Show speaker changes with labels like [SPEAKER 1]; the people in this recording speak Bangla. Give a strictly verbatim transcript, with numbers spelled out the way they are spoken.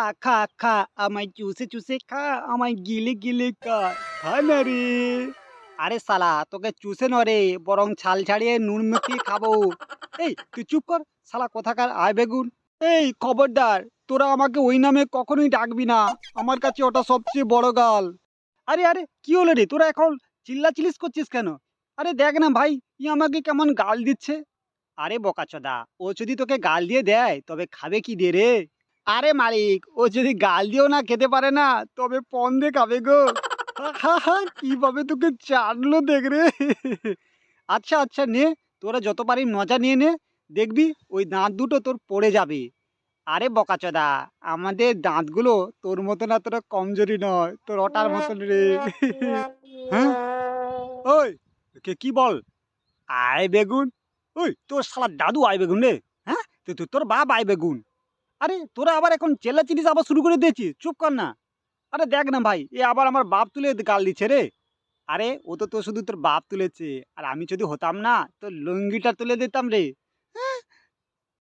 [SPEAKER 1] খা, খা, খা, আমায় চুষে, চুষে খা, আমায় গিলে, গিলে খা, খা না রে। আরে শালা তোকে চুষে নয় রে, বরং ছাল ছাড়িয়ে নুন মাখিয়ে খাবো। এই তুই চুপ কর, শালা কোথাকার আয় বেগুন। এই খবরদার, তোরা আমাকে ওই নামে কখনোই ডাকবি না। আমার কাছে ওটা সবচেয়ে বড় গাল। আরে আরে কি হলো রে, তোরা এখন চিল্লাচিল্লিস করছিস কেন? আরে দেখ না ভাই, ই আমাকে কেমন গাল দিচ্ছে। আরে বোকাচোদা, ও যদি তোকে গাল দিয়ে দেয় তবে খাবে কি দিয়ে রে? আরে মালিক, ও যদি গাল দিয়েও না খেতে পারে না, তবে পণ দিয়ে খাবে গো। হা হা, কিভাবে তোকে চাটলো দেখ রে। আচ্ছা আচ্ছা নে, তোরা যত পারি মজা নিয়ে নে। দেখবি ওই দাঁত দুটো তোর পড়ে যাবে। আরে বোকাচোদা, আমাদের দাঁতগুলো তোর মতন এতটা কমজোরি নয়, তোর ওটার মতন রে। হ্যাঁ, ওই কে কি বল? আয় বেগুন। ওই তোর শালা দাদু আয় বেগুন রে। হ্যাঁ, তো তো- তোর বাপ আয় বেগুন। আরে তোরা আবার এখন চেল্লাচিল্লিস আবার শুরু করে দিয়েছিস, চুপ কর না। আরে দেখ না ভাই, এ আবার আমার বাপ তুলে গাল দিচ্ছে রে। আরে ও তো তো শুধু তোর বাপ তুলেছে, আর আমি যদি হতাম না তোর লুঙ্গিটা তুলে দিতাম রে।